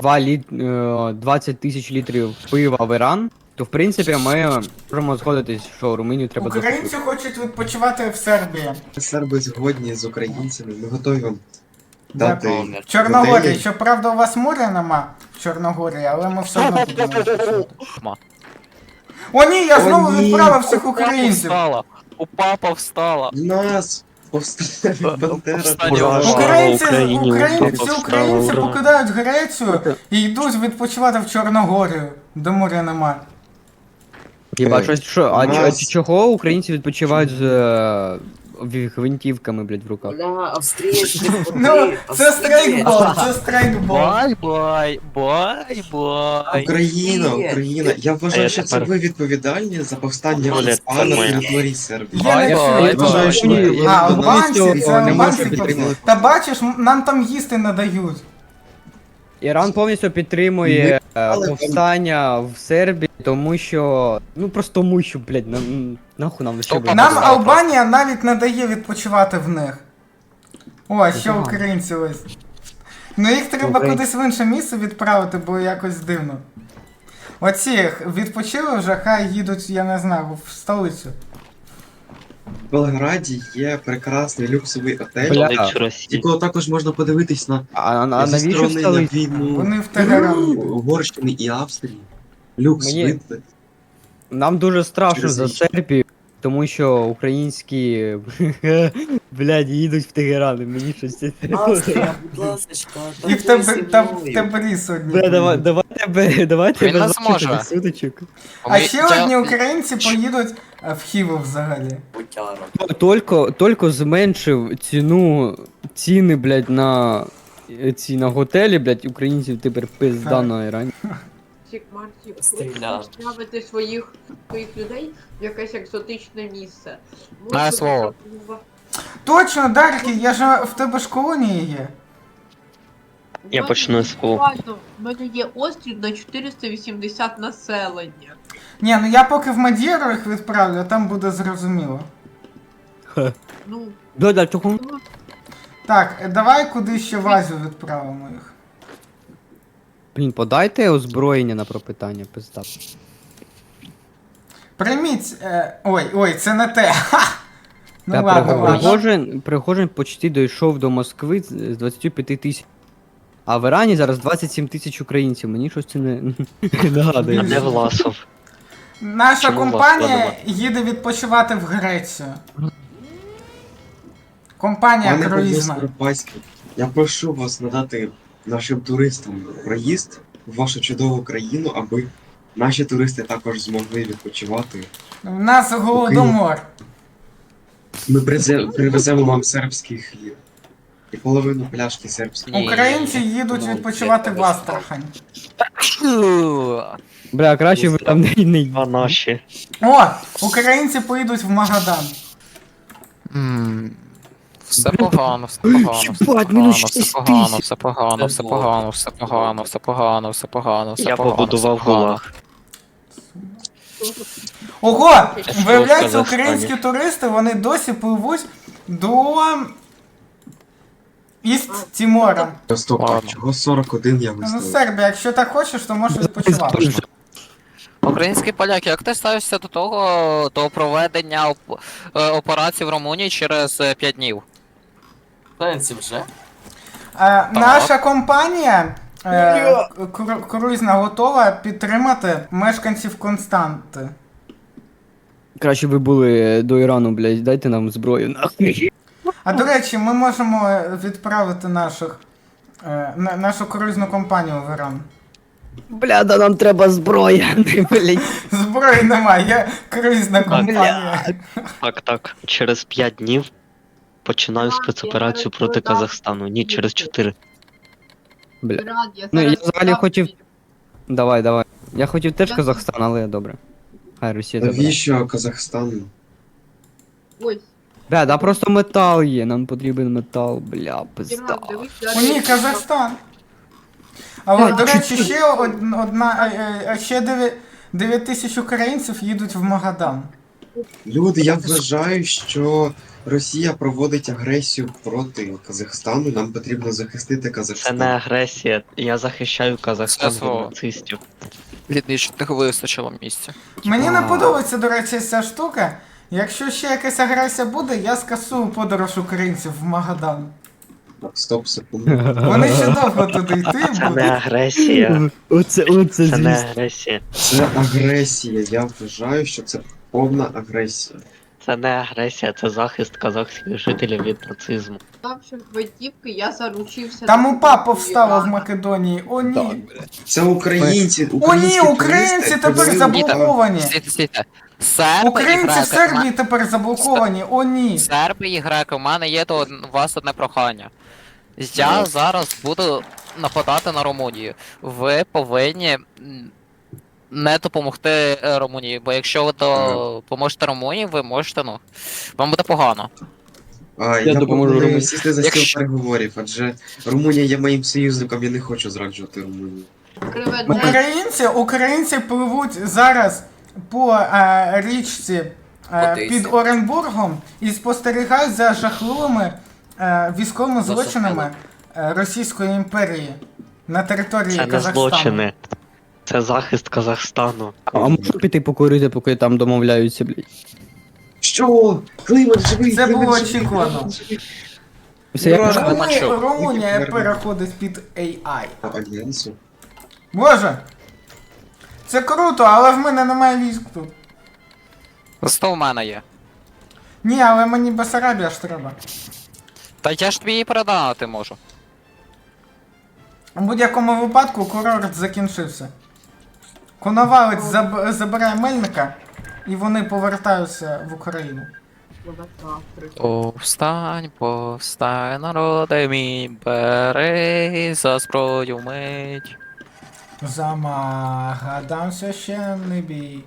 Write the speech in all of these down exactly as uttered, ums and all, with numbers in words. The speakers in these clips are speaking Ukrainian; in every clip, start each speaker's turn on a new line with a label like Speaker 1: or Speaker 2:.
Speaker 1: два літ... е, двадцять тисяч літрів пива в Іран, то в принципі ми можемо згодитись, що Румунію треба
Speaker 2: Українці
Speaker 1: захопити.
Speaker 2: хочуть відпочивати в Сербії.
Speaker 3: Серби згодні з українцями, ми готові вам
Speaker 2: Дякую.
Speaker 3: дати
Speaker 2: В Чорногорії,
Speaker 3: готелі.
Speaker 2: щоправда, у вас моря нема в Чорногорії, але ми все одно будемо відпочивати. О ні, я
Speaker 3: О,
Speaker 2: знову
Speaker 3: ні.
Speaker 2: відправив всіх
Speaker 4: У папа
Speaker 2: українців.
Speaker 4: встала! У папа встала!
Speaker 3: Нас повстане Бандера.
Speaker 4: Повстання
Speaker 3: Ура!
Speaker 4: Ура!
Speaker 2: Українці,
Speaker 5: Україні,
Speaker 2: українці,
Speaker 5: Україні,
Speaker 2: всі
Speaker 5: Україні,
Speaker 2: українці
Speaker 5: ура.
Speaker 2: покидають Грецію і йдуть відпочивати в Чорногорію, де моря нема.
Speaker 1: Хіба щось що, а,
Speaker 3: Нас-
Speaker 1: ч- а ч- чого українці відпочивають з е, в- гвинтівками, блядь, в руках?
Speaker 5: Бля, австрійські
Speaker 2: Ну, це страйкбол, це страйкбол.
Speaker 4: Бай-бай! Бай-бай!
Speaker 3: Україна,
Speaker 5: Ні.
Speaker 3: Україна. Я
Speaker 5: А
Speaker 3: вважаю,
Speaker 5: я
Speaker 3: що це
Speaker 5: тепер-
Speaker 3: ви відповідальні за повстання
Speaker 5: Оля,
Speaker 3: УСПА
Speaker 5: це
Speaker 3: на
Speaker 5: моя.
Speaker 3: території Сербії.
Speaker 2: Я не
Speaker 4: Бай-бай,
Speaker 2: чую.
Speaker 3: Я вважаю, що ви
Speaker 1: Ні.
Speaker 2: А,
Speaker 3: повинні
Speaker 2: албанці,
Speaker 3: донести
Speaker 2: це
Speaker 3: не
Speaker 2: албанці
Speaker 3: можете
Speaker 2: повинні.
Speaker 3: підтримати.
Speaker 2: Та бачиш, м- нам там їсти не дають.
Speaker 1: Іран повністю підтримує е,
Speaker 3: але там-
Speaker 1: повстання в Сербії, тому що. Ну просто тому що, блядь, нам нахуй нам ще
Speaker 4: Опа.
Speaker 1: блядь.
Speaker 2: Нам
Speaker 4: знаю
Speaker 2: Албанія навіть не дає відпочивати в них. О, ще
Speaker 1: Ага.
Speaker 2: українці ось. Ну їх треба
Speaker 1: Українці.
Speaker 2: кудись в інше місце відправити, бо якось дивно. Оці відпочили вже, хай їдуть, я не знаю, в столицю.
Speaker 3: В Белграді є прекрасний люксовий отель,
Speaker 1: Бля.
Speaker 5: Столицю Росії.
Speaker 3: якого також можна подивитись на
Speaker 1: А, а, а
Speaker 3: зі
Speaker 1: навіщо в
Speaker 3: сторони на
Speaker 1: столиці?
Speaker 3: війну
Speaker 2: Вони в Тегеран їдуть.
Speaker 3: Угорщини і Австрії. Люкс
Speaker 1: Мені-
Speaker 3: видно.
Speaker 1: Нам дуже страшно
Speaker 3: Через
Speaker 1: за
Speaker 3: річ.
Speaker 1: Сербію, тому що українські блядь, їдуть в Тегеран, і мені щось це.
Speaker 5: Австрія, будь ласочка,
Speaker 2: І в тебе та в тебе сьогодні.
Speaker 1: Бля, давай, давайте бе- давайте
Speaker 4: Він не
Speaker 1: без
Speaker 4: зможе.
Speaker 1: ваших сутичок.
Speaker 2: А ще
Speaker 4: Я-
Speaker 2: одні українці поїдуть е, в Хіву взагалі.
Speaker 5: Бутяра.
Speaker 1: Тільки, тільки зменшив ціну, ціни, блядь, на е, ці на готелі, блядь, українців тепер пизда
Speaker 2: Так.
Speaker 1: на Ірані.
Speaker 6: Чик Марсі,
Speaker 5: Стріляв.
Speaker 6: ставити своїх своїх людей в якесь екзотичне місце.
Speaker 4: На
Speaker 6: Може,
Speaker 4: слово.
Speaker 6: там,
Speaker 2: Точно, Дарки, я ж в тебе ж колонії є.
Speaker 5: Я
Speaker 6: в мене
Speaker 5: почну з свого.
Speaker 6: буквально, в мене є острів на чотириста вісімдесят населення.
Speaker 2: Ні, ну я поки в Мадєру їх відправлю, а там буде зрозуміло.
Speaker 6: Ну,
Speaker 1: Да, да, чого?
Speaker 2: Так, е, давай куди ще в Азію відправимо їх.
Speaker 1: Блін, подайте озброєння на пропитання, пизда.
Speaker 2: Прийміть. Е, ой, ой, це не те. Ха! Ну
Speaker 1: Та
Speaker 2: ладно,
Speaker 1: Пригожин,
Speaker 2: ладно.
Speaker 1: Пригожин, Пригожин почти дійшов до Москви з з двадцятью п'ятью тисяч. А в Ірані зараз двадцять сім тисяч українців, мені щось це не
Speaker 5: А
Speaker 1: нагадує.
Speaker 5: де Власов?
Speaker 2: Наша
Speaker 5: Чому вас
Speaker 2: компанія
Speaker 5: складувати?
Speaker 2: їде відпочивати в Грецію. Компанія
Speaker 3: Пане
Speaker 2: круїзна.
Speaker 3: професор Паський, я прошу вас надати нашим туристам проїзд в вашу чудову країну, аби наші туристи також змогли відпочивати.
Speaker 2: У нас голодомор.
Speaker 3: Ми призе- привеземо вам сербський хліб. І половину пляшки сербського.
Speaker 4: Ні.
Speaker 2: Українці їдуть
Speaker 4: Ну,
Speaker 2: відпочивати
Speaker 4: я
Speaker 2: в Астрахань.
Speaker 1: Бля, краще ви там не не
Speaker 5: А наші.
Speaker 2: О, українці поїдуть в Магадан.
Speaker 4: М, Все погано, все погано, все
Speaker 1: Їбать,
Speaker 4: погано,
Speaker 1: мінус
Speaker 4: все
Speaker 1: шість
Speaker 4: погано,
Speaker 1: тисяч.
Speaker 4: все погано, все погано, все погано, все погано, все погано, все
Speaker 5: Я
Speaker 4: погано,
Speaker 5: побудував
Speaker 4: все погано.
Speaker 5: гулаг.
Speaker 2: Ого!
Speaker 5: що
Speaker 2: Виявляється,
Speaker 5: в Казахстані?
Speaker 2: українські туристи, вони досі пливуть до Іст Тімора.
Speaker 3: Стоп, а
Speaker 4: Ладно.
Speaker 3: чого сорок один я
Speaker 2: Ну,
Speaker 3: виставив?
Speaker 2: Сербія, якщо так хочеш, то можеш відпочивати.
Speaker 4: Українські поляки, як ти ставишся до того, до проведення оп- е, операції в Румунії через е, п'ять днів?
Speaker 5: Сенсі вже?
Speaker 2: Е, наша компанія е, кру- круїзна готова підтримати мешканців Константи.
Speaker 1: Краще ви були до Ірану, блядь, дайте нам зброю, нахуй.
Speaker 2: А до речі, ми можемо відправити наших, е, на- нашу круїзну компанію в Іран.
Speaker 1: Бля, да нам треба зброя, блядь.
Speaker 2: Зброї немає, є круїзна компанія.
Speaker 5: Так, так. Через п'ять днів починаю спецоперацію проти Казахстану. Ні, через чотири.
Speaker 1: Бля.
Speaker 6: Брат, я
Speaker 1: Ну, я
Speaker 6: зараз
Speaker 1: взагалі
Speaker 6: ставлю-
Speaker 1: хотів. Давай, давай. Я хотів теж
Speaker 6: Я-
Speaker 1: Казахстан, але добре. Хай Росія забере.
Speaker 3: Навіщо Казахстан?
Speaker 6: Ось,
Speaker 1: Бля, да просто метал є, нам потрібен метал, бля, пизда.
Speaker 6: Діман, дивись,
Speaker 2: О
Speaker 6: далі.
Speaker 2: ні, Казахстан. Але,
Speaker 1: Е,
Speaker 2: до речі,
Speaker 1: чуть-чуть.
Speaker 2: ще од- одна, е, е, ще дев'ять тисяч українців їдуть в Магадан.
Speaker 3: Люди, я вважаю, що Росія проводить агресію проти Казахстану. Нам потрібно захистити
Speaker 5: Це
Speaker 3: Казахстан.
Speaker 5: не агресія. Я захищаю Казахстан від
Speaker 4: СВО.
Speaker 5: нацистів.
Speaker 4: Відмічних вистачило місця.
Speaker 2: Мені не подобається, до речі, ця штука. Якщо ще якась агресія буде, я скасую подорож українців в Магадан.
Speaker 3: Так, стоп, секунду.
Speaker 2: Вони ще довго туди йти
Speaker 5: Це не
Speaker 2: будуть.
Speaker 5: агресія.
Speaker 1: Оце, оце,
Speaker 5: Це не
Speaker 1: звісно.
Speaker 5: агресія.
Speaker 3: Це агресія. Я вважаю, що це повна агресія.
Speaker 5: Це не агресія, це захист казахських жителів від нацизму.
Speaker 6: Ставши гвинтівки, я заручився.
Speaker 2: Там
Speaker 6: на
Speaker 2: упа
Speaker 6: купівлю
Speaker 2: повстала в
Speaker 6: Ірана.
Speaker 2: Македонії. О ні.
Speaker 3: Це українці.
Speaker 2: О ні,
Speaker 3: українські
Speaker 2: українці
Speaker 3: туристи
Speaker 2: тепер
Speaker 3: привезли
Speaker 2: заблоковані.
Speaker 4: Стійте, стійте. Серби і
Speaker 2: Українці в
Speaker 4: греки.
Speaker 2: Сербії тепер заблоковані. О ні.
Speaker 4: Серби і греки, у мене є до у вас одне прохання. Я зараз буду нападати на Румунію. Ви повинні м, не допомогти е, Румунії, бо якщо ви допоможете Румунії, ви можете, ну, вам буде погано.
Speaker 3: А,
Speaker 1: Я
Speaker 3: я
Speaker 1: допоможу
Speaker 3: пропоную
Speaker 1: Румунії.
Speaker 3: сісти за стіл
Speaker 4: Якщо-
Speaker 3: переговорів, адже Румунія є моїм союзником, я не хочу зраджувати Румунію.
Speaker 6: Криве
Speaker 2: Українці, українці пливуть зараз по е, річці е,
Speaker 4: Одесі.
Speaker 2: під Оренбургом і спостерігають за жахливими е, військовими
Speaker 4: За
Speaker 2: злочинами е, Російської імперії на території
Speaker 5: Це не
Speaker 2: Казахстану.
Speaker 5: злочини. Це захист Казахстану.
Speaker 1: А можна піти покурити, поки там домовляються, блядь?
Speaker 3: Що? Климат живий!
Speaker 2: Це
Speaker 3: Климат
Speaker 2: було
Speaker 3: живий,
Speaker 2: очікувано.
Speaker 3: Климат живий.
Speaker 1: Все, як
Speaker 3: Ура!
Speaker 1: можна?
Speaker 2: Румунія,
Speaker 4: Климачок.
Speaker 2: Румунія
Speaker 3: Які
Speaker 2: переходить під ей ай.
Speaker 3: А, Альянсу?
Speaker 2: Боже! Це круто, але в мене немає військ тут.
Speaker 4: Зато в мене є.
Speaker 2: Ні, але мені Бесарабія ж треба.
Speaker 4: Та я ж тобі її передати можу.
Speaker 2: У будь-якому випадку курорт закінчився. Коновалець заб- забирає Мельника, і вони повертаються в Україну.
Speaker 4: Повстань, повстань, народи мій, бери за зброю мить.
Speaker 2: За Магадан священний бій.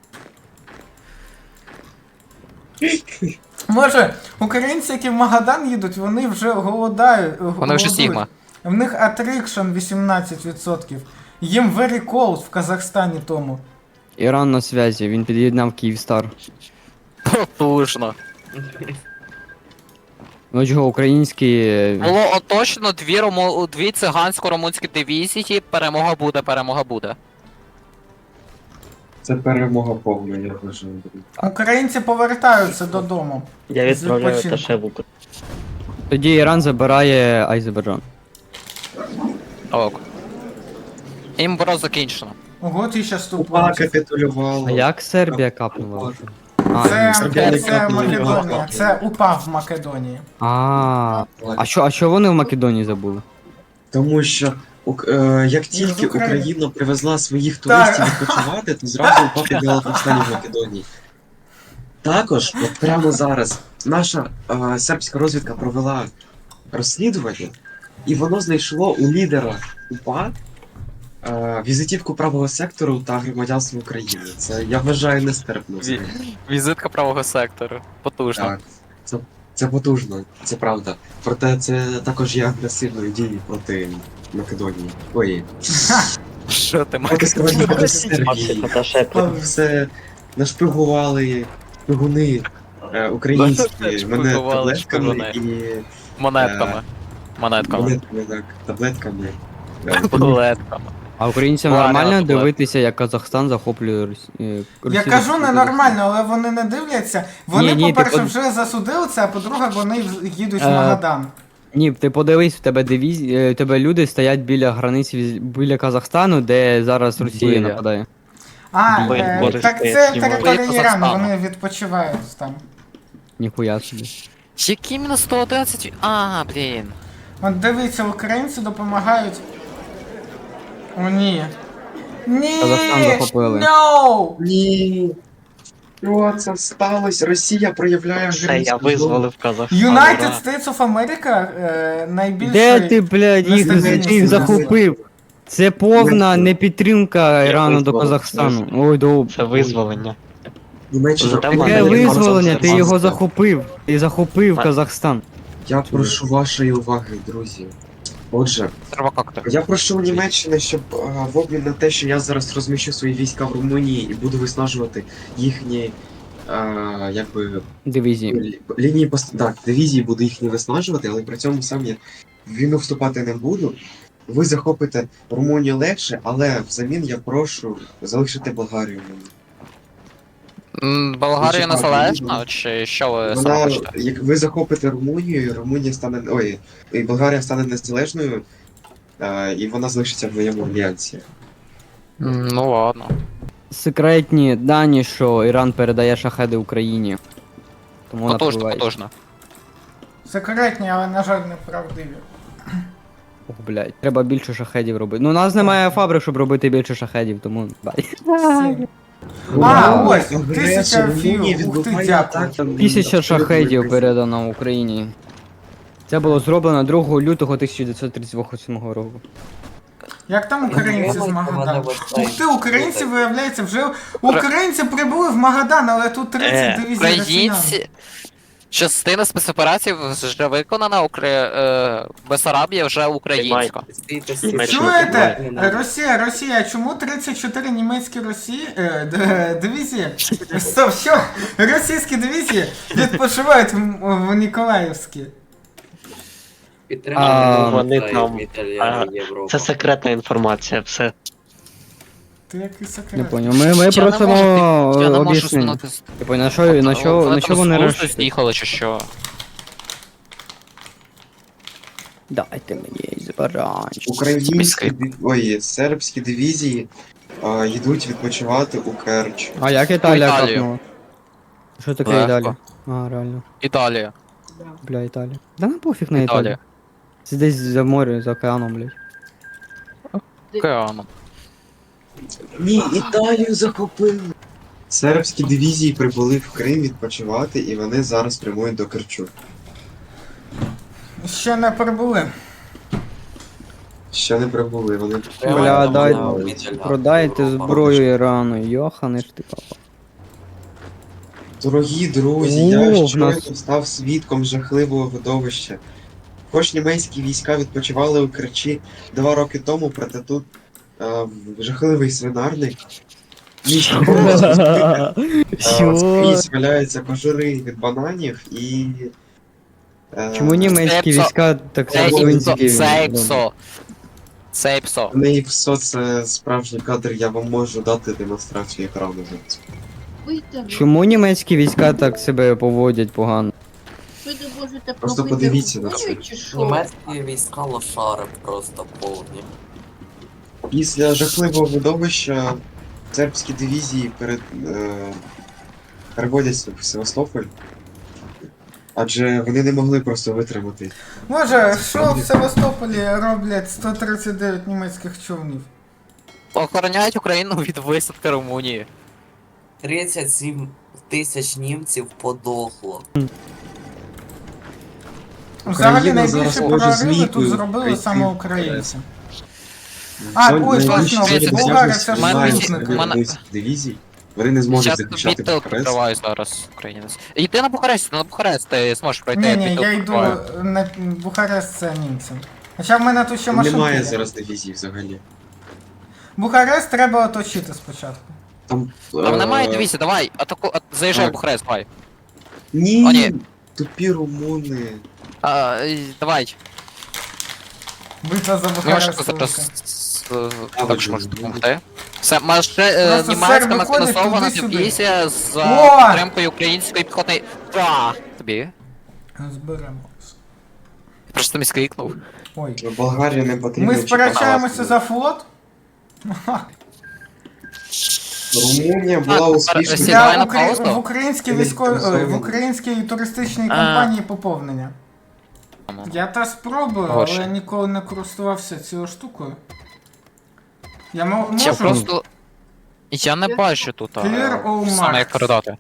Speaker 2: Може, українці, які в Магадан їдуть, вони вже голодають.
Speaker 4: Вони вже Сігма.
Speaker 2: В них attrition вісімнадцять відсотків. Їм very cold в Казахстані тому.
Speaker 1: Іран на зв'язі, він під'єднав Київстар.
Speaker 4: Потужно.
Speaker 1: Ну чого, українські... е,
Speaker 4: Було оточено дві, рому... дві цигансько-румунські дивізії, перемога буде, перемога буде.
Speaker 3: Це перемога повна, я вважаю.
Speaker 2: Українці повертаються додому.
Speaker 5: Я відправляю
Speaker 2: відпочинку.
Speaker 5: Таше в Україну.
Speaker 1: Тоді Іран забирає Азербайджан.
Speaker 4: Ок. Імбро закінчено.
Speaker 2: Ого, ти ще
Speaker 3: Упа
Speaker 2: ступив.
Speaker 3: капітулювала.
Speaker 1: А як Сербія капнула? А,
Speaker 2: Це,
Speaker 1: ні.
Speaker 3: Сербія не
Speaker 2: це
Speaker 3: капнула,
Speaker 2: Македонія,
Speaker 3: капнула.
Speaker 2: це упав в Македонії.
Speaker 1: А, а що, а що вони в Македонії забули?
Speaker 3: Тому що ук- е, як тільки
Speaker 2: України.
Speaker 3: Україна привезла своїх туристів відпочивати, то зразу упав підняла повстання в Македонії. Також, от прямо зараз, наша е, сербська розвідка провела розслідування, і воно знайшло у лідера УПА е, візитівку правого сектору та громадянства України. Це я вважаю нестерпно. взагалі.
Speaker 4: Візитка правого сектору. Потужно.
Speaker 3: Так, це, це потужно, це правда. Проте це також є агресивною дією проти Македонії. Ой,
Speaker 4: Що ти
Speaker 3: проти Македонії, проти Сербії.
Speaker 5: Максима Таше.
Speaker 3: Все нашпигували шпигуни е, українські, мене
Speaker 4: Нашпигували
Speaker 3: таблетками
Speaker 4: шпигуни.
Speaker 3: і
Speaker 4: Монетками. Монетками.
Speaker 3: монетками, так, таблетками. Е,
Speaker 4: Монетками.
Speaker 1: А українцям
Speaker 4: Ладно,
Speaker 1: нормально
Speaker 4: ладно.
Speaker 1: дивитися, як Казахстан захоплює Рос... е,
Speaker 2: Я
Speaker 1: Росію?
Speaker 2: кажу ненормально, але вони не дивляться. Вони,
Speaker 1: Ні, ні,
Speaker 2: по-перше,
Speaker 1: ти под-
Speaker 2: вже засудили це, а по-друге, вони в- їдуть в
Speaker 1: Е,
Speaker 2: Магадан.
Speaker 1: Ні, ти подивись, в тебе дивізі... е, в тебе люди стоять біля границі віз- біля Казахстану, де зараз Росія
Speaker 5: Біля.
Speaker 1: нападає.
Speaker 2: А,
Speaker 5: Бо-
Speaker 2: е,
Speaker 5: Боже,
Speaker 2: так
Speaker 5: я
Speaker 2: це
Speaker 5: знімаю.
Speaker 2: територія
Speaker 4: Біля
Speaker 2: Ірану,
Speaker 4: Казахстану.
Speaker 2: вони відпочивають там.
Speaker 1: Ніхуя собі.
Speaker 4: Які мінус сто одинадцять? А, блін.
Speaker 2: От дивіться, українці допомагають. О, ні. Ні!
Speaker 1: Казахстан захопили.
Speaker 2: No!
Speaker 3: Ні. Що це сталося? Росія проявляє
Speaker 5: Все, я
Speaker 3: агресію.
Speaker 5: визволив Казахстан.
Speaker 2: United
Speaker 5: ура.
Speaker 2: States of America е, найбільший...
Speaker 1: Де ти, блядь, їх
Speaker 2: нестабільність
Speaker 1: їх
Speaker 2: зараз.
Speaker 1: захопив? Це повна непідтримка
Speaker 5: Я
Speaker 1: Ірану до
Speaker 5: визволив,
Speaker 1: Казахстану.
Speaker 5: визволив.
Speaker 1: Ой, до...
Speaker 5: Це визволення.
Speaker 3: Німеччина
Speaker 5: Зате в
Speaker 1: Таке
Speaker 5: мене є
Speaker 1: визволення, ти
Speaker 5: консенсус.
Speaker 1: його захопив. Ти захопив
Speaker 5: Ма-
Speaker 1: Казахстан.
Speaker 3: Я прошу вашої уваги, друзі. Отже,
Speaker 4: Треба как-то.
Speaker 3: я прошу у Німеччини, щоб е, в обмін на те, що я зараз розміщу свої війська в Румунії і буду виснажувати їхні а, якби
Speaker 1: Дивізії.
Speaker 3: лі- лінії пост... так, дивізії буду їх не виснажувати, але при цьому сам я в війну вступати не буду. Ви захопите Румунію легше, але взамін я прошу залишити Болгарію мені.
Speaker 4: М, Болгарія
Speaker 3: Ну, чекайте,
Speaker 4: незалежна,
Speaker 3: ну,
Speaker 4: чи що ви саме
Speaker 3: Вона,
Speaker 4: хочете?
Speaker 3: як ви захопите Румунію, і Румунія стане. Ой, і Болгарія стане незалежною, а, і вона залишиться в моєму альянсі.
Speaker 4: М, Ну ладно.
Speaker 1: Секретні дані, що Іран передає шахеди Україні. Тому вона
Speaker 4: Потужно,
Speaker 1: пробиває.
Speaker 4: потужно.
Speaker 2: Секретні, але, на жаль, неправдиві.
Speaker 1: Ох, блядь, треба більше шахедів робити. Ну, у нас немає фабрик, щоб робити більше шахедів, тому бай.
Speaker 2: Сім. А,
Speaker 3: Ура!
Speaker 2: ось,
Speaker 3: Агресор
Speaker 2: тисяча
Speaker 3: Румунії
Speaker 2: філ, ух ти,
Speaker 3: відбиває
Speaker 2: дякую.
Speaker 3: атаки на
Speaker 1: Тисяча
Speaker 3: абсолютно
Speaker 1: шахедів
Speaker 3: весь-
Speaker 1: передано Україні. Це було зроблено другого лютого тисяча дев'ятсот тридцять восьмого року.
Speaker 2: Як там українці з Магадану? Ух ти, українці, виявляється, вже... Українці прибули в Магадан, але тут тридцять
Speaker 4: Е,
Speaker 2: дивізій росіян.
Speaker 4: Українці. Частина спецоперацій вже виконана, Укра... е, Бесарабія вже українська.
Speaker 5: Німеччина
Speaker 2: Чуєте?
Speaker 5: приймає.
Speaker 2: Росія, Росія, чому тридцять чотири німецькі Росії, е, д- дивізії, стоп, що? Російські дивізії відпочивають в, в Ніколаївській.
Speaker 1: А,
Speaker 5: Вони там. а, Це секретна інформація, все.
Speaker 2: Ти який
Speaker 1: Не
Speaker 2: секрет.
Speaker 1: поняв. Ми, ми
Speaker 4: Я не
Speaker 1: просимо
Speaker 4: можу, я не можу
Speaker 1: об'яснення.
Speaker 4: змінити.
Speaker 1: Типу, на що, на що, на що вони
Speaker 4: розпусту
Speaker 1: розчитують?
Speaker 4: з'їхали чи що?
Speaker 1: Дайте мені збаранчик.
Speaker 3: Українські
Speaker 4: Міський.
Speaker 3: див- ой, сербські дивізії а, йдуть відпочивати у Керч.
Speaker 1: А як Італія
Speaker 4: Італію.
Speaker 1: капнула? Що таке
Speaker 4: Легко.
Speaker 1: Італія? А, реально.
Speaker 4: Італія.
Speaker 1: Бля, Італія. Да на пофіг на
Speaker 4: Італія.
Speaker 1: Італію. Це десь за море, за океаном, блядь.
Speaker 4: Океаном.
Speaker 3: Ні, Італію захопили. Сербські дивізії прибули в Крим відпочивати, і вони зараз прямують до Керчу.
Speaker 2: Ще не прибули.
Speaker 3: Ще не прибули, вони
Speaker 1: Бля, дай,
Speaker 3: Ой,
Speaker 1: продайте зброю Ірану, йохани ж ти папа.
Speaker 3: Дорогі друзі,
Speaker 1: О,
Speaker 3: я
Speaker 1: в
Speaker 3: щойно
Speaker 1: нас-
Speaker 3: став свідком жахливого видовища. Хоч німецькі війська відпочивали у Керчі два роки тому, проте тут е, жахливий свинарник. Місто просто е,
Speaker 1: Що?
Speaker 3: скрізь валяються кожури від бананів і. е,
Speaker 1: Чому німецькі
Speaker 4: Це
Speaker 1: війська так
Speaker 4: Це
Speaker 1: свинські?
Speaker 4: іпсо. Це іпсо. Це іпсо.
Speaker 3: В неї все це справжній кадр, я вам можу дати демонстрацію екрану зараз.
Speaker 6: Вийдемо.
Speaker 1: Чому німецькі війська так себе поводять погано?
Speaker 6: Ви не можете
Speaker 3: Просто
Speaker 6: пробити
Speaker 3: подивіться на
Speaker 6: Україну,
Speaker 3: це.
Speaker 6: чи що?
Speaker 7: Німецькі війська лошари просто повні.
Speaker 3: Після жахливого видовища сербські дивізії перед, е, переводяться в Севастополь. Адже вони не могли просто витримати.
Speaker 2: Може, що в Севастополі роблять сто тридцять дев'ять німецьких човнів?
Speaker 4: Охороняють Україну від висадки Румунії.
Speaker 7: тридцять сім тисяч німців подохло.
Speaker 2: Взагалі
Speaker 3: Україна
Speaker 2: найбільше
Speaker 3: зараз може
Speaker 2: прориви
Speaker 3: змійкою
Speaker 2: тут зробили
Speaker 3: прийти
Speaker 2: саме
Speaker 3: в
Speaker 2: українці.
Speaker 3: В
Speaker 2: А,
Speaker 3: зоні
Speaker 2: ой,
Speaker 3: найбільші
Speaker 2: точно,
Speaker 3: зоні
Speaker 4: Болгарія
Speaker 3: досяжності
Speaker 2: це ж
Speaker 3: немає
Speaker 2: союзники.
Speaker 3: українських дивізій. Вони не зможуть
Speaker 4: Я
Speaker 3: захищати
Speaker 4: відтил
Speaker 3: Бухарест.
Speaker 4: прикриваю зараз українець. Йди на Бухарест, на Бухарест, ти зможеш пройти.
Speaker 2: Ні, ні,
Speaker 4: відтил
Speaker 2: я йду
Speaker 4: прикриваю.
Speaker 2: на Бухарест, це німцям. Хоча в мене тут ще
Speaker 3: Там
Speaker 2: машинки
Speaker 3: немає
Speaker 2: є.
Speaker 3: зараз дивізій взагалі.
Speaker 2: Бухарест треба оточити спочатку.
Speaker 3: Там,
Speaker 4: Там
Speaker 3: е,
Speaker 4: немає дивіться, давай, атаку, а, заїжджай в
Speaker 3: так.
Speaker 4: Бухарест, давай.
Speaker 3: Ні,
Speaker 4: О, ні.
Speaker 3: тупі румуни.
Speaker 4: А, і- давай.
Speaker 2: Битва за
Speaker 4: Ну, я
Speaker 2: Бухарест.
Speaker 4: ж зараз
Speaker 2: велика.
Speaker 4: е, також можу допомогти. Все, може, е,
Speaker 2: Просто
Speaker 4: німецька
Speaker 2: серби ходять
Speaker 4: механізована
Speaker 2: туди-сюди.
Speaker 4: дивізія за
Speaker 2: О!
Speaker 4: підтримкою української піхотної. Та, тобі.
Speaker 2: Зберемо.
Speaker 4: Просто мені скрикнув.
Speaker 2: Ой.
Speaker 3: Болгарія не потрібно.
Speaker 2: Ми
Speaker 3: чіпати.
Speaker 2: сперечаємося за флот?
Speaker 3: Румунія була
Speaker 4: А,
Speaker 3: успішною.
Speaker 4: Сі, давай
Speaker 2: Для
Speaker 4: на
Speaker 2: Украї...
Speaker 4: паузу.
Speaker 2: в українській
Speaker 3: Ти
Speaker 2: військовій ой, в
Speaker 3: відпрацьований.
Speaker 2: українській туристичній
Speaker 4: А.
Speaker 2: компанії поповнення. Я та спробую,
Speaker 4: Горше.
Speaker 2: але ніколи не користувався цією штукою. Я мо-
Speaker 4: Я
Speaker 2: можу.
Speaker 4: просто. Я не бачу тут, а,
Speaker 2: Clear all
Speaker 4: саме як
Speaker 2: marks.
Speaker 4: передати.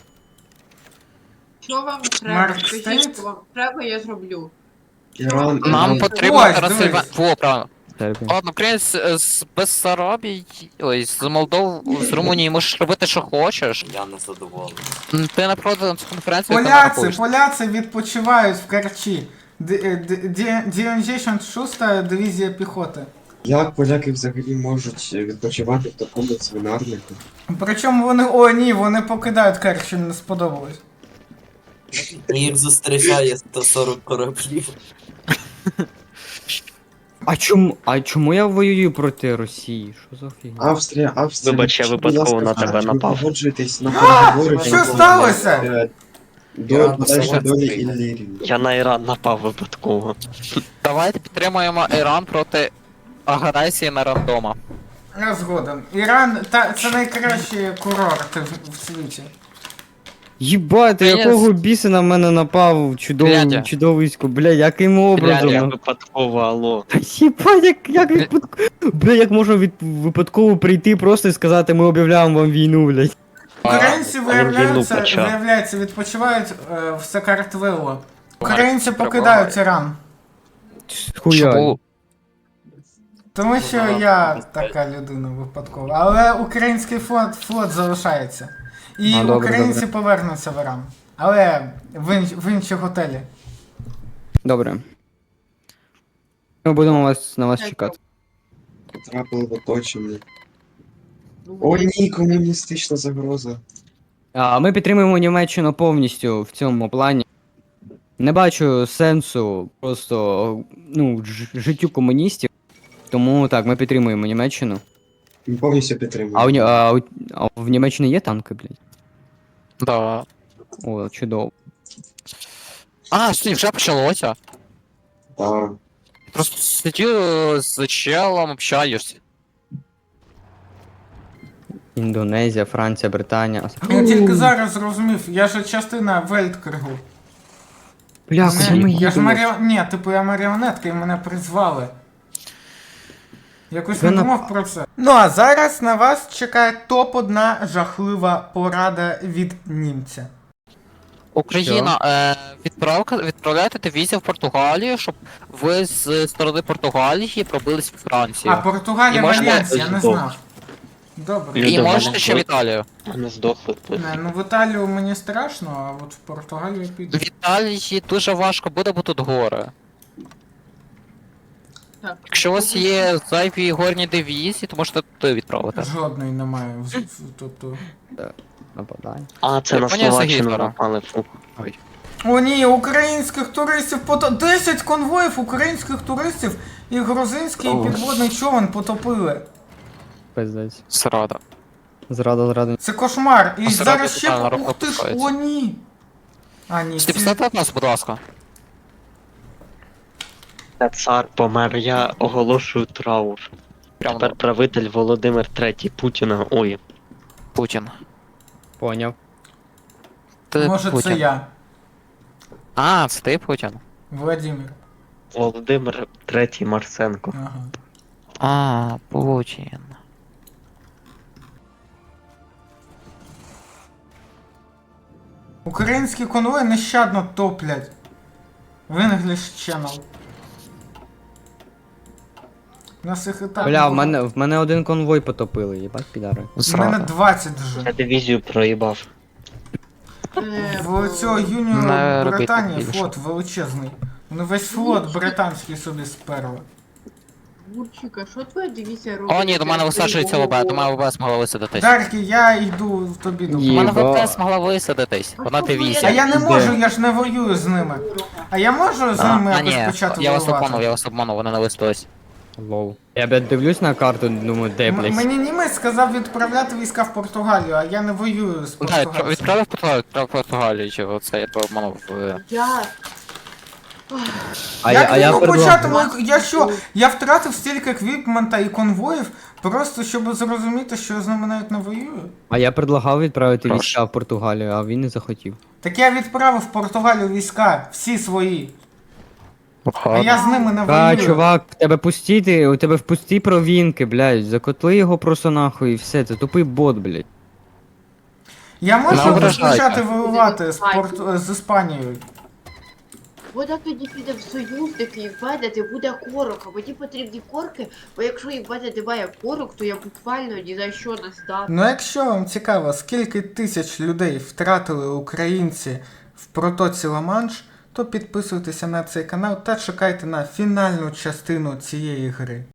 Speaker 6: Що вам треба?
Speaker 2: Марк
Speaker 6: Скажіть,
Speaker 2: Стейт?
Speaker 6: що вам треба, я зроблю.
Speaker 3: Іран,
Speaker 4: Нам
Speaker 3: Іран.
Speaker 4: потрібно
Speaker 2: Ось,
Speaker 4: трансильва...
Speaker 2: дивись.
Speaker 4: Во, правильно.
Speaker 1: Сербія.
Speaker 4: Ладно, українець е, з Бессарабії, ой, з Молдов, з Румунії можеш робити, що хочеш.
Speaker 7: Я не задоволений.
Speaker 4: М, Ти не проти на цю конференцію, ти не
Speaker 2: Поляці,
Speaker 4: рахуєш.
Speaker 2: поляці відпочивають в Керчі. дев'яносто шоста дивізія піхоти.
Speaker 3: Як поляки взагалі можуть відпочивати в такому свинарнику?
Speaker 2: Причому вони, о ні, вони покидають Керч, що їм не сподобалось.
Speaker 7: Їх зустрічає сто сорок кораблів.
Speaker 1: А чому, а чому я воюю проти Росії? Що за фігня?
Speaker 3: Австрія, Австрія.
Speaker 5: Вибач, я
Speaker 3: будь
Speaker 5: випадково
Speaker 3: ласка,
Speaker 5: на тебе
Speaker 3: чи ви
Speaker 5: напав.
Speaker 3: погоджуєтесь на переговори?
Speaker 2: Що
Speaker 3: про,
Speaker 2: сталося?
Speaker 3: е,
Speaker 7: Я
Speaker 3: До
Speaker 7: на
Speaker 3: подальшої
Speaker 7: себе
Speaker 3: долі
Speaker 7: закрив.
Speaker 3: Іллірії.
Speaker 5: Я на Іран напав випадково.
Speaker 4: Давайте підтримуємо Іран проти агресії на рандома.
Speaker 2: Я згоден. Іран та це найкращі курорти в, в світі.
Speaker 1: Їбати,
Speaker 4: Та я
Speaker 1: якого
Speaker 4: з-
Speaker 1: біса на мене напав чудовий,
Speaker 4: Глядя.
Speaker 1: чудовисько, бля, яким образом?
Speaker 5: Я
Speaker 1: ну?
Speaker 5: випадково, алло.
Speaker 1: Та їбать, як, як випадково. Бля, як можна від, випадково прийти просто і сказати, ми об'являємо вам війну, блядь.
Speaker 2: Українці
Speaker 5: а він
Speaker 2: виявляються,
Speaker 5: війну почав.
Speaker 2: виявляється, відпочивають е, в Сакартвелло. Українці
Speaker 4: Тримай.
Speaker 2: покидають Іран.
Speaker 1: Хуя.
Speaker 4: Чому?
Speaker 2: Тому що я така людина випадкова. Але український флот, флот залишається. І
Speaker 1: А, добре,
Speaker 2: українці
Speaker 1: добре.
Speaker 2: повернуться в Іран. Але в, інш, в інші готелі.
Speaker 1: Добре. Ми будемо вас, на вас чекати.
Speaker 3: Потрапили в оточення. О ні, комуністична загроза.
Speaker 1: А ми підтримуємо Німеччину повністю в цьому плані. Не бачу сенсу просто ну, ж- життю комуністів. Тому так, ми підтримуємо Німеччину.
Speaker 3: Ми повністю підтримуємо.
Speaker 1: А, у, Ні- а, у, а в Німеччині є танки, блядь?
Speaker 4: Да.
Speaker 1: О, чудово.
Speaker 4: А, що, вже почалося?
Speaker 3: Так.
Speaker 4: Просто сидю з челом, общаюсь.
Speaker 1: Індонезія, Франція, Британія.
Speaker 2: Я тільки зараз зрозумів, я ж частина Вельткригу.
Speaker 1: Бля,
Speaker 2: Мене-
Speaker 1: куди ми
Speaker 2: я ж
Speaker 1: їдемо?
Speaker 2: маріо... Ні, типу я маріонетка і мене призвали. Якось
Speaker 1: Ви
Speaker 2: не
Speaker 1: на-
Speaker 2: думав про це. Ну а зараз на вас чекає топ одна жахлива порада від німця.
Speaker 4: Україна, е, відправка, відправляйте дивізію в Португалію, щоб ви з сторони Португалії пробились в Францію.
Speaker 2: А Португалія
Speaker 4: І можна-
Speaker 2: Альянс, я не
Speaker 5: Здох.
Speaker 2: знав. Добре.
Speaker 5: Люди,
Speaker 4: І
Speaker 5: в мене
Speaker 4: можете ще в
Speaker 5: зо-
Speaker 4: Італію.
Speaker 5: Мене здохли.
Speaker 2: Не, ну в Італію мені страшно, а от в Португалію я піду.
Speaker 4: В Італії дуже важко буде, бо тут гори.
Speaker 6: Так.
Speaker 4: Якщо у вас є зайві горні дивізії, то можете туди відправити.
Speaker 2: Жодної немає. в- в- Тобто.
Speaker 1: Нападай.
Speaker 5: А, це на
Speaker 4: Японія за
Speaker 5: Словаччину
Speaker 4: Гітлера.
Speaker 5: напали. Фу.
Speaker 2: О ні, українських туристів пото... десять конвоїв українських туристів і грузинський
Speaker 5: О.
Speaker 2: підводний човен потопили.
Speaker 1: Пиздець.
Speaker 4: Зрада.
Speaker 1: Зрада, зрада.
Speaker 2: Це кошмар. І
Speaker 4: А
Speaker 2: зараз
Speaker 4: сьогодні
Speaker 2: ще.
Speaker 4: тотально
Speaker 2: Ух ти ж,
Speaker 4: розпускається.
Speaker 2: о ні. А ні,
Speaker 4: Стіп,
Speaker 2: ці...
Speaker 4: стати нас, будь ласка.
Speaker 5: Та цар помер, я оголошую траур.
Speaker 4: Прямо
Speaker 5: Тепер правитель Володимир третій Путіна. Ой,
Speaker 4: Путін.
Speaker 1: Поняв.
Speaker 4: Ти
Speaker 2: Може
Speaker 4: Путін.
Speaker 2: це я,
Speaker 4: А, це ти Путін.
Speaker 2: Владимир.
Speaker 5: Володимир третій Марсенко.
Speaker 2: Ага.
Speaker 4: А, Путін.
Speaker 2: Українські конвої нещадно топлять. В English Channel. Нас їх і так.
Speaker 1: Бля, в
Speaker 2: було.
Speaker 1: мене, в мене один конвой потопили, їбать підари.
Speaker 2: В мене
Speaker 4: Зрада.
Speaker 2: двадцять
Speaker 5: Я
Speaker 2: вже.
Speaker 5: дивізію проїбав.
Speaker 6: Е,
Speaker 2: В цього юніору
Speaker 4: Не робіть
Speaker 2: Британії
Speaker 4: так більше.
Speaker 2: флот величезний. Вони весь флот британський собі сперли.
Speaker 6: Гурчика, що твоя дивізія робить?
Speaker 4: О, ні, до мене висаджується ВБ, до мене ВБ змогла висадитись.
Speaker 2: Дарки, я йду в тобі до
Speaker 1: Є.
Speaker 4: У мене
Speaker 1: Єба.
Speaker 4: ВБ змогла висадитись. Вона
Speaker 2: А
Speaker 4: дивізія.
Speaker 2: я не
Speaker 1: Де?
Speaker 2: можу, я ж не воюю з ними. А я можу з
Speaker 4: А,
Speaker 2: ними
Speaker 4: а
Speaker 2: якось
Speaker 4: ні,
Speaker 2: почати
Speaker 4: я вас обманув,
Speaker 2: воювати?
Speaker 4: я вас обманув, вони не висадились.
Speaker 1: Лоу. Я, блядь, дивлюсь на карту, думаю, де,
Speaker 2: М-
Speaker 1: блядь.
Speaker 2: Мені німець сказав відправляти війська в Португалію, а я не воюю з
Speaker 4: Так,
Speaker 2: Португалією.
Speaker 4: відправив Португалію, відправив Португалію, чи оце я тебе обманув. е.
Speaker 6: Я...
Speaker 1: А
Speaker 2: Як
Speaker 1: я, а
Speaker 2: він
Speaker 1: я
Speaker 2: мог
Speaker 1: предлагаю.
Speaker 2: почати? мою- Я що? Я втратив стільки еквіпмента і конвоїв, просто щоб зрозуміти, що я з ними навіть не воюю.
Speaker 1: А я предлагав відправити
Speaker 4: Прошу.
Speaker 1: війська в Португалію, а він не захотів.
Speaker 2: Так я відправив в Португалію війська, всі свої. А я з ними не
Speaker 1: А,
Speaker 2: воюю.
Speaker 1: чувак, в тебе пустіти, у тебе в пусті провінки, блядь, закотли його просто нахуй і все, це тупий бот, блядь.
Speaker 2: Я можу
Speaker 4: Не
Speaker 2: розпочати
Speaker 4: ображайте.
Speaker 2: воювати з, Порт... з Іспанією.
Speaker 6: Вода тоді піде в союзники і введете, буде корок, а мені потрібні корки, бо якщо їх введете немає корок, то я буквально ні за що не здам.
Speaker 2: Ну якщо вам цікаво, скільки тисяч людей втратили українці в протоці Ла-Манш, то підписуйтеся на цей канал та чекайте на фінальну частину цієї гри.